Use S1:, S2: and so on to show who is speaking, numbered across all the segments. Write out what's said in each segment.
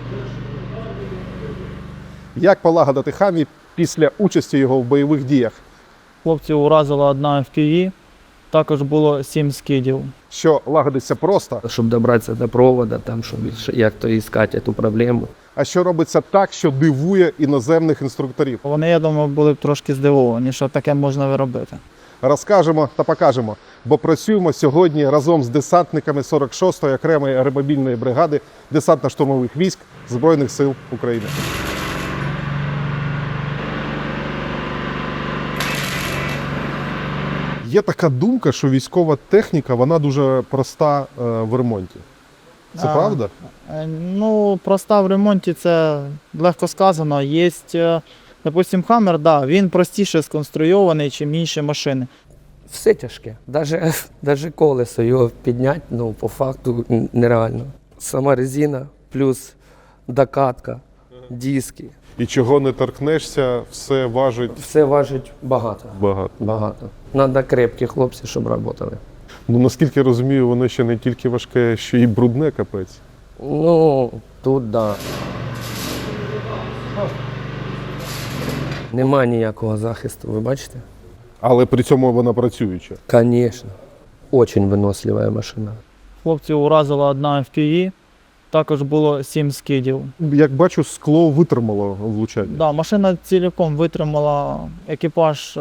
S1: Як полагодити Хамві після участі його в бойових діях?
S2: Хлопців уразила одна FPV, також було 7 скидів.
S1: Що лагодиться просто,
S3: Щоб добратися до провода, там, щоб як то іскати цю проблему.
S1: а що робиться так, що дивує іноземних інструкторів?
S2: Вони, я думаю, були б трошки здивовані, що таке можна виробити.
S1: Розкажемо та покажемо, бо працюємо сьогодні разом з десантниками 46-ї окремої аеромобільної бригади десантно-штурмових військ Збройних сил України. Є така думка, що військова техніка, вона дуже проста в ремонті. Це правда?
S2: Ну, проста в ремонті це легко сказано. Є, допустим, Хаммер, да, він простіше сконструйований, ніж інші машини.
S3: Все тяжке. Даже колесо його підняти, ну, по факту нереально. Сама резина, плюс докатка, диски.
S1: І чого не торкнешся, все важить
S3: Все важить багато.
S1: багато.
S3: Багато. Надо крепкі хлопці, щоб працювали.
S1: Ну, наскільки я розумію, воно ще не тільки важке, ще й брудне, капець.
S3: Ну, тут да. Нема ніякого захисту, ви бачите?
S1: Але при цьому вона працююча.
S3: Конечно. Очень виносливая машина.
S2: Хлопців уразила одна FPV, також було 7 скидів.
S1: Як бачу, скло витримало влучання.
S2: Да, машина цілком витримала, екіпаж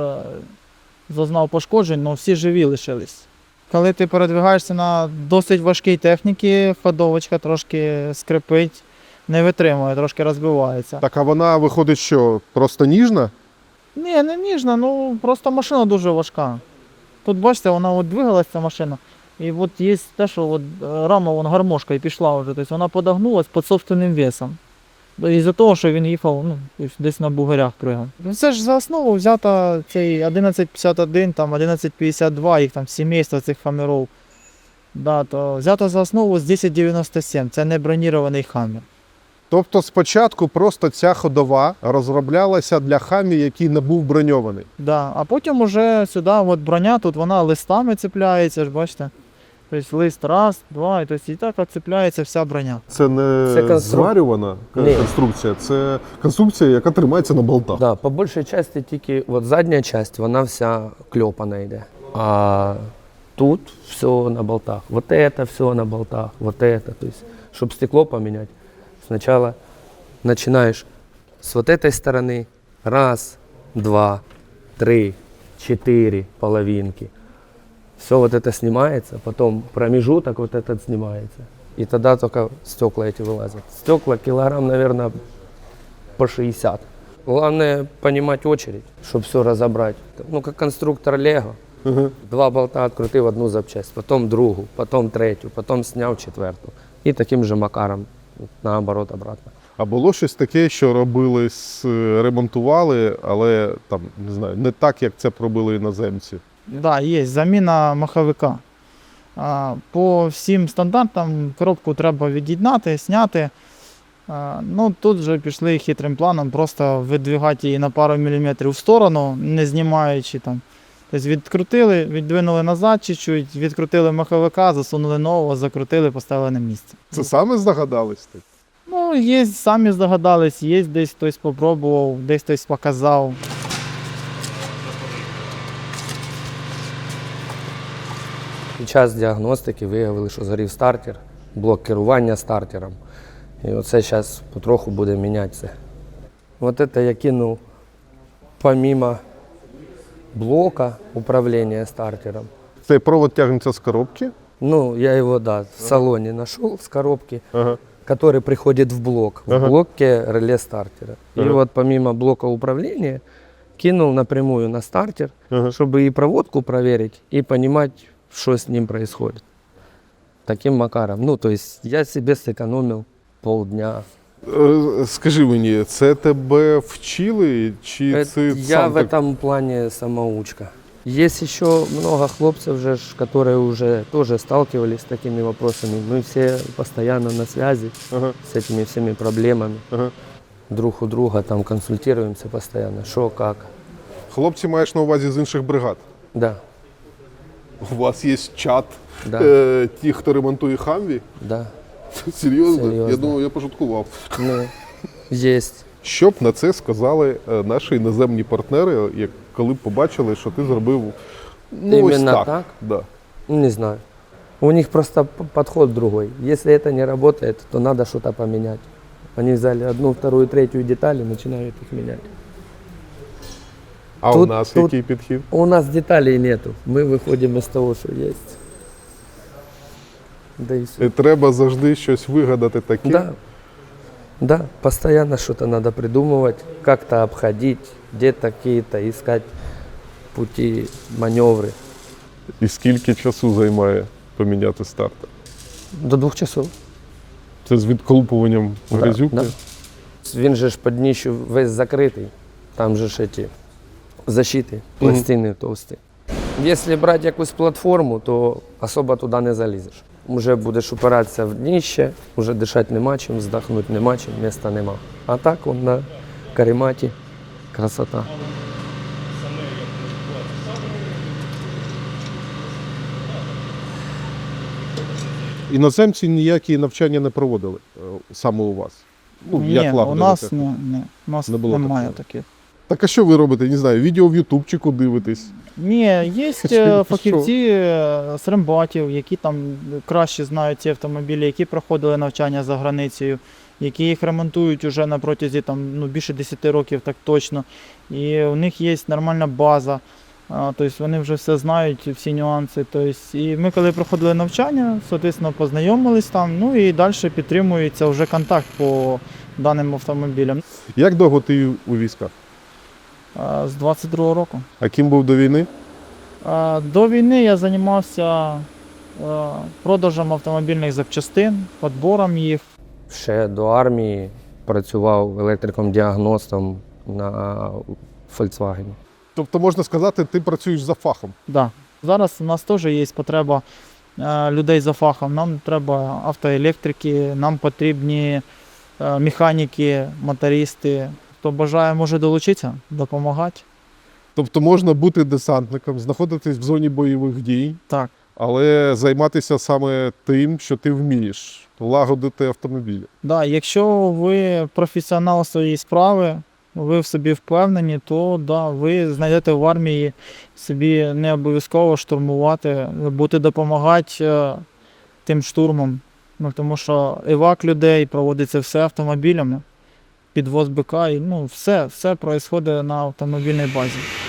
S2: зазнав пошкоджень, але всі живі лишились. Коли ти передвигаєшся на досить важкій техніці, ходовочка трошки скрипить, не витримує, трошки розбивається.
S1: Так, а вона виходить що, просто ніжна?
S2: Ні, не ніжна, ну просто машина дуже важка. Тут бачите, вона от двигалася ця машина. І от є те, що от рама вон гармошка і пішла вже. Тобто вона подогнулась під собственним весом. Із-за того, що він їхав, ну, десь на бугорях пригав. Це ж за основу взята цей 1151, там 1152, їх там сімейство цих хамерів. Да, то взято за основу з 1097, це не бронірований хамер.
S1: Тобто спочатку просто ця ходова розроблялася для Хамві, який не був броньований.
S2: Да. А потім уже сюди от броня, тут вона листами цепляється, ж бачите. Тобто лист раз, два, і, тобто, і так цепляється вся броня.
S1: Це не
S3: Це
S1: зварювана
S3: Ні.
S1: конструкція, це конструкція, яка тримається на болтах.
S3: Да, по більшій частині тільки от задня частина, вона вся кльопана йде. А тут все на болтах. Вот это все на болтах, вот это. То есть, чтобы стекло поменять, сначала начинаешь с вот этой стороны. Раз, два, три, четыре половинки. Все вот это снимается, потом промежуток вот этот снимается. И тогда только стекла эти вылазят. Стекла килограмм, наверное, по 60. Главное понимать очередь, чтобы все разобрать. Ну, как конструктор Лего. Два болта открутив одну запчасть, потом другу, потом третю, потом сняв четверту. І таким же макаром, наоборот, обратно.
S1: А було щось таке, що робили, ремонтували, але там, не знаю, не так, як це пробили іноземці.
S2: Да, є заміна маховика. По всім стандартам коробку треба від'єднати, зняти. Ну, тут вже пішли хитрим планом, просто видвигати її на пару міліметрів в сторону, не знімаючи там. Тобто відкрутили, віддвинули назад чуть-чуть, відкрутили маховика, засунули нового, закрутили, поставили на місце.
S1: Це саме здогадались?
S2: Ну, є, самі здогадались, є десь хтось спробував, десь хтось показав.
S3: Під час діагностики виявили, що згорів стартер, блок керування стартером. І оце зараз потроху буде мінятися. Ось це я кинув помимо блока управления стартером.
S1: Цей провод тягнеться з коробки.
S3: Ну, я его, да, в салоне нашел с коробки,
S1: Ага.
S3: который приходит в блок.
S1: Ага.
S3: В блоке реле стартера. И
S1: Ага.
S3: вот помимо блока управления кинул напрямую на стартер,
S1: Ага.
S3: чтобы и проводку проверить, и понимать, что с ним происходит. Таким макаром. Ну, то есть я себе сэкономил полдня.
S1: Скажи мені, це тебе вчили, чи це
S3: Я
S1: сам
S3: в
S1: так?
S3: этом плане самоучка. Есть еще много хлопцев, которые уже тоже сталкивались с такими вопросами. Мы все постоянно на связи
S1: Ага.
S3: с этими всеми проблемами.
S1: Ага.
S3: Друг у друга там консультируемся постоянно, что, как.
S1: Хлопці маєш на увазі з інших бригад.
S3: Да,
S1: У вас є чат
S3: Да.
S1: ті, хто ремонтує Хамві.
S3: да.
S1: Серйозно?
S3: Серйозно.
S1: Я думав, я пошуткував.
S3: Ну, єсть.
S1: Що б на це сказали наші іноземні партнери, коли б побачили, що ти зробив ось
S3: Іменно
S1: так?
S3: так?
S1: Да.
S3: Не знаю. У них просто подход другой. Если это не работает, то надо что-то поменять. Они взяли одну, вторую, третью детали и начинают их менять.
S1: А у
S3: Тут-
S1: нас
S3: тут-
S1: який підхід?
S3: У нас деталей нету. Мы выходим из того, что есть. Да и все.
S1: Треба завжди щось вигадати таке.
S3: Да. Да, постоянно что-то надо придумывать, как-то обходить, где-то какие-то искать пути, маневры.
S1: І скільки часу займає поміняти стартер?
S3: До 2 часов.
S1: Це з відколупуванням грязюки?
S3: Да. Він же ж під дніщу весь закритий. Там же ж эти защити, пластини товсті. Якщо брати якусь платформу, то особо туди не залізеш. Вже будеш упиратися в дніще, вже дишати нема чим, здохнути нема чим, міста нема. А так он на карематі красота.
S1: Іноземці ніякі навчання не проводили саме у вас? Ну,
S2: Ні,
S1: як
S2: у
S1: лагодити
S2: нас,
S1: техніку?
S2: у нас
S1: Не було
S2: немає
S1: такого.
S2: таких.
S1: Так а що ви робите? Не знаю, відео в ютубчику дивитесь?
S2: Ні, є
S1: Що?
S2: фахівці з рембатів, які там краще знають ці автомобілі, які проходили навчання за границею, які їх ремонтують уже на протязі більше 10 років, так точно. І у них є нормальна база. Тобто вони вже все знають, всі нюанси. Тобто, і ми, коли проходили навчання, соответственно, познайомились там, ну і далі підтримується вже контакт по даним автомобілям.
S1: Як довго ти у військах?
S2: З 22-го року.
S1: А ким був до війни?
S2: До війни я займався продажем автомобільних запчастин, підбором їх.
S3: Ще до армії працював електриком-діагностом на Volkswagen.
S1: Тобто, можна сказати, ти працюєш за фахом.
S2: Да. Зараз у нас теж є потреба людей за фахом. Нам треба автоелектрики, нам потрібні механіки, мотористи. Хто бажає, може долучитися, допомагати.
S1: Тобто можна бути десантником, знаходитись в зоні бойових дій,
S2: Так.
S1: але займатися саме тим, що ти вмієш, лагодити автомобілі.
S2: Да, якщо ви професіонал своєї справи, ви в собі впевнені, то да, ви знайдете в армії собі не обов'язково штурмувати, будете допомагати тим штурмом. Ну, тому що евак людей проводиться все автомобілями, підвоз БК, і все відбувається на автомобільній базі.